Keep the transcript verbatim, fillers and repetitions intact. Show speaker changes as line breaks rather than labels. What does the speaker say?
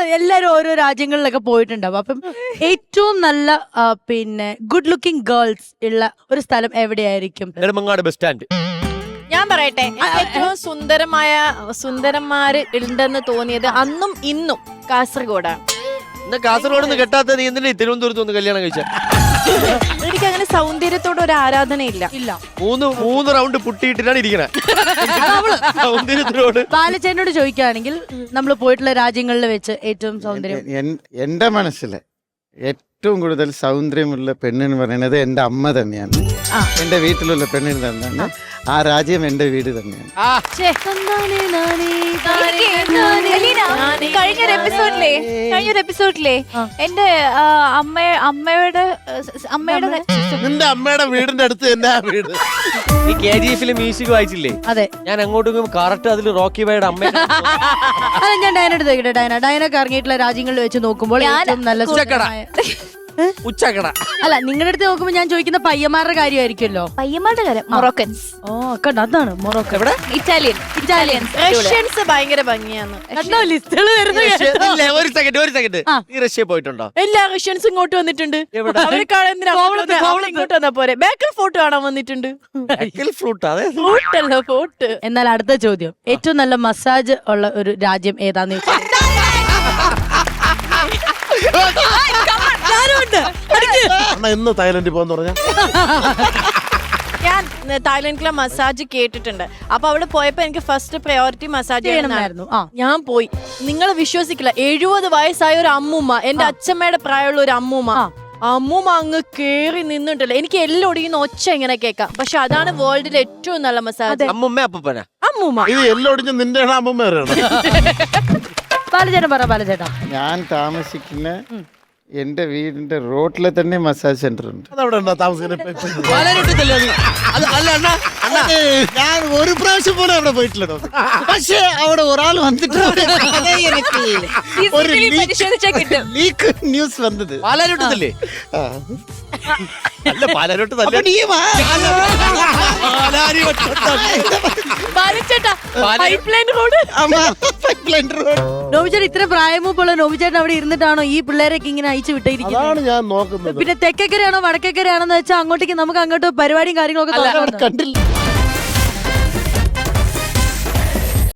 എല്ലാരും ഓരോ രാജ്യങ്ങളിലൊക്കെ പോയിട്ടുണ്ടാവും. അപ്പം ഏറ്റവും നല്ല ആ, പിന്നെ ഗുഡ് ലുക്കിംഗ് ഗേൾസ് ഉള്ള ഒരു സ്ഥലം എവിടെയായിരിക്കും?
Nedumangad bus stand.
ഞാൻ പറയട്ടെ, എനിക്ക് ഏറ്റവും സുന്ദരമായ സുന്ദരന്മാര് ഉണ്ടെന്ന് തോന്നിയത് അന്നും ഇന്നും കാസർഗോഡാണ്.
എന്നാ കാസർഗോഡ് നിന്ന് കെട്ടാത്ത നീ എന്തിനാ തിരുവനന്തപുരത്ത് ഒന്ന് കല്യാണം കഴിച്ച?
എനിക്ക് അങ്ങനെ സൗന്ദര്യത്തോട് ഒരു ആരാധനയില്ല.
ഇല്ല.
മൂന്ന് മൂന്ന് റൗണ്ട് പുട്ടിയിട്ടിട്ടാണ് ഇരിക്കണേ. സൗന്ദര്യത്തിനോട്
ബാലചേട്ടനോട് ചോദിക്കുകയാണെങ്കിൽ നമ്മൾ പോയിട്ടുള്ള രാജ്യങ്ങളിൽ വെച്ച് ഏറ്റവും സൗന്ദര്യം
എൻ- എന്റെ മനസ്സില് ഏറ്റവും കൂടുതൽ സൗന്ദര്യമുള്ള പെണ്ണെന്ന് പറയുന്നത് എന്റെ അമ്മ തന്നെയാണ്. എന്റെ വീട്ടിലുള്ള പെണ്ണിന് തന്നെയാണ്. ആ രാജ്യം എന്റെ വീട് തന്നെയാണ്.
കഴിഞ്ഞൊരു എപ്പിസോഡിലെ കഴിഞ്ഞൊരു എപ്പിസോഡിലെ എന്റെ ആ, അമ്മ അമ്മയുടെ അമ്മയുടെ
നിന്റെ അമ്മയുടെ വീടിന്റെ അടുത്ത് തന്നെ ആ വീട്.
ഈ കെ ജി എഫിലെ മ്യൂസിക് വായിച്ചില്ലേ?
അതെ.
ഞാൻ അങ്ങോട്ടും കറക്റ്റ് അതിൽ റോക്കി ബൈയുടെ അമ്മ.
അല്ല, ഞാൻ ഡയനോട് ചോദിക്കട്ടെ. ഡയന ഡയനൊക്കെ ഇറങ്ങിയിട്ടുള്ള രാജ്യങ്ങളിൽ വെച്ച് നോക്കുമ്പോൾ ഏറ്റവും നല്ല സുന്ദരമായ-
ഉച്ചക്കട.
അല്ല, നിങ്ങളുടെ അടുത്ത് നോക്കുമ്പോൾ ഞാൻ ചോദിക്കുന്ന പയ്യന്മാരുടെ കാര്യമായിരിക്കുമല്ലോ.
പയ്യന്മാരുടെ കാര്യം മൊറോക്കൻസ്,
ഓ കണ്ട, അതാണ് മൊറോക്കോ.
എവിടെ?
ഇറ്റാലിയൻ ഇറ്റാലിയൻസ്
റഷ്യൻസ് ഭയങ്കര ഭംഗിയാണ്.
ലിസ്റ്റുകൾ
റഷ്യ- ഇല്ല, ഒരു സെക്കൻഡ് ഒരു സെക്കൻഡ്
ആ.
നീ റഷ്യ പോയിട്ടുണ്ടോ?
എല്ലാ റഷ്യൻസ് ഇങ്ങോട്ട് വന്നിട്ടുണ്ട്.
എവിടെ?
അവരെ കാണാൻ എന്തിനാ അങ്ങോട്ട് വന്നേ? അവൾ ഇങ്ങോട്ട് വന്നാ പോരെ. ബേക്കൽ ഫോർട്ട് കാണാൻ വന്നിട്ടുണ്ട്.
ഫ്രൂട്ട് അതെ.
ഫോർട്ട് അല്ല, ഫോർട്ട്.
എന്നാൽ അടുത്ത ചോദ്യം, ഏറ്റവും നല്ല മസാജ് ഉള്ള ഒരു രാജ്യം ഏതാന്ന് ചോദിച്ചാൽ
അണ്ണാ ഇന്ന് തായ്ലൻഡിൽ പോകാന്ന് പറഞ്ഞ
ഞാൻ തായ്ലൻഡിലെ മസാജ് കേട്ടിട്ടുണ്ട്. അപ്പൊ അവിടെ പോയപ്പോ എനിക്ക് ഫസ്റ്റ് പ്രയോറിറ്റി മസാജ്
ചെയ്യണമായിരുന്നു. ആ.
ഞാൻ പോയി. നിങ്ങൾ വിശ്വസിക്കില്ല, എഴുപത് വയസ്സായ ഒരു അമ്മൂമ്മ, എന്റെ അച്ഛമ്മയുടെ പ്രായമുള്ള ഒരു അമ്മൂമ്മ, അമ്മൂമ്മ അങ്ങ് കേറി നിന്നിട്ടില്ല. എനിക്ക് എല്ലാം ഒടിയുന്ന ഒച്ച ഇങ്ങനെ കേൾക്കാം. പക്ഷെ അതാണ് വേൾഡിലെ ഏറ്റവും നല്ല മസാജ്.
അമ്മമ്മ അപ്പന
അമ്മൂമ്മ.
ഇത് എല്ലൊടിഞ്ഞ് നിന്റെ അമ്മ വരെയാണ്.
ബാലചേട്ടൻ പറ. ബാലചേട്ടാ,
ഞാൻ താമസിക്കുന്ന എന്റെ വീടിന്റെ റോട്ടിലെ തന്നെ മസാജ് സെന്റർ ഉണ്ട്.
അതവിടെ ഉണ്ടോ താമസിക്കുന്നത്?
പാലാരിവട്ടത്തല്ലേ അത്? അത് അല്ല അണ്ണാ, അണ്ണാ
അതെ, ഞാൻ ഒരു പ്രാവശ്യം പോലും അവിടെ പോയിട്ടില്ല. പക്ഷേ അവിടെ ഒരാൾ വന്നിട്ട് ഒരു
പരിശോധിച്ചാൽ കിട്ടും.
ലീക്ക് ന്യൂസ് വന്നത്.
പാലാരിവട്ടത്തല്ലേ?
ആ.
അല്ല പാലാരിവട്ടത്തല്ലേ?
അപ്പൊ നീ വാ.
ബാലച്ചേട്ടാ, പൈപ്പ് ലൈൻ റോഡ്.
അമ്മ, pipeline road.
നോബിചേട്ടൻ ഇത്ര പ്രായമൂപ്പുള്ള നോബിചേട്ടൻ അവിടെ ഇരുന്നിട്ടാണോ ഈ പിള്ളേരൊക്കെ ഇങ്ങനെ അയച്ചു വിട്ടിരിക്കുന്നത്?
അതാണ് ഞാൻ നോക്കുന്നത്.
പിന്നെ തെക്കക്കരയാണോ വടക്കക്കരയാണോന്ന് വെച്ചാൽ അങ്ങോട്ടേക്ക് നമുക്ക് അങ്ങോട്ട് പരിപാടിയും കാര്യങ്ങളൊക്കെ
അല്ല,
തുടങ്ങാം.
കണ്ടില്ല.